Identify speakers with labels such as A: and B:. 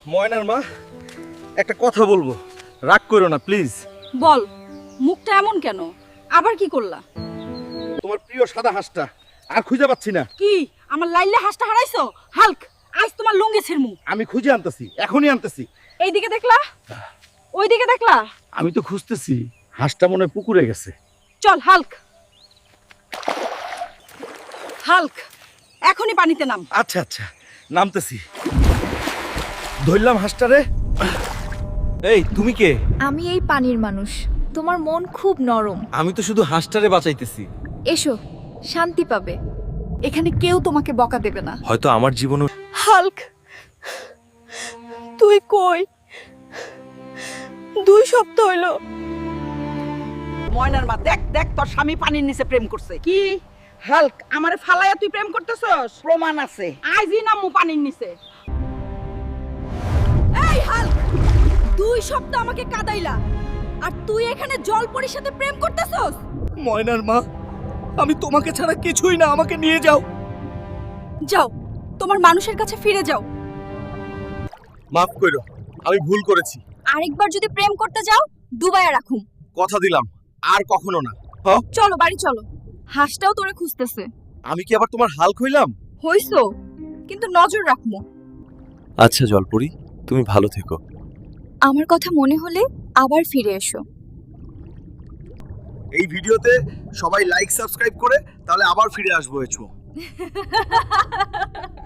A: ময়নার মা, একটা কথা বলবো, রাগ করো না প্লিজ।
B: বল, মুখটা এমন কেন? আবার কি করলা?
A: তোমার প্রিয় সাদা হাঁসটা আর খুঁজে পাচ্ছি না।
B: কি আমার লাইলে হাঁসটা হারাইছো? হাল্ক, আজ তোমার লুঙ্গি ছিড়মু।
A: আমি খুঁজে আনতেছি, এখনই আনতেছি।
B: এইদিকে দেখলা, ওইদিকে দেখলা?
A: আমি তো খুঁজতেছি, হাঁসটা মনে হয় পুকুরে গেছে।
B: চল হাল্ক, হাল্ক এখনই পানিতে নাম।
A: আচ্ছা আচ্ছা, নামতেছি। ধরলাম হাঁসটারে। এই তুমি কে?
C: আমি এই পানির মানুষ। তোমার মন খুব নরম।
A: আমি তো শুধু হাঁসটারে বাঁচাইতেছি।
C: এসো, শান্তি পাবে।
B: এখানে কেউ তোমাকে বকা দেবে না।
A: হয়তো আমার জীবনও।
B: হাল্ক, তুই কই? 2 সপ্তাহ হইলো। ময়নার মা, দেখ দেখ, তোর স্বামী পানির নিচে প্রেম করছে। কি হাল্ক, আমারে ফালায়া তুই প্রেম করতেছস? প্রমাণ আছে, আইজি নামু পানির নিচে। এই হাল্ক, 2 সপ্তাহ আমাকে কাদাইলা, আর তুই এখানে জলপরীর সাথে প্রেম করতেছস?
A: ময়নার মা, আমি তোমাকে ছাড়া কিছুই না, আমাকে নিয়ে যাও।
B: যাও, তোমার মানুষের কাছে ফিরে যাও।
A: মাফ করো, আমি ভুল করেছি।
B: আরেকবার যদি প্রেম করতে যাও, ডুবাইয়া রাখুম।
A: কথা দিলাম, আর কখনো না।
B: চলো বাড়ি চলো, হাঁসটাও তোরে খুঁজতেছে।
A: আমি কি আবার তোমার হাল হইলাম?
B: হইছো, কিন্তু নজর রাখমু।
D: আচ্ছা জলপরি, তুমি ভালো থেকো।
C: আমার কথা মনে হলে আবার ফিরে এসো।
A: এই ভিডিওতে সবাই লাইক সাবস্ক্রাইব করে তাহলে আবার ফিরে আসবো।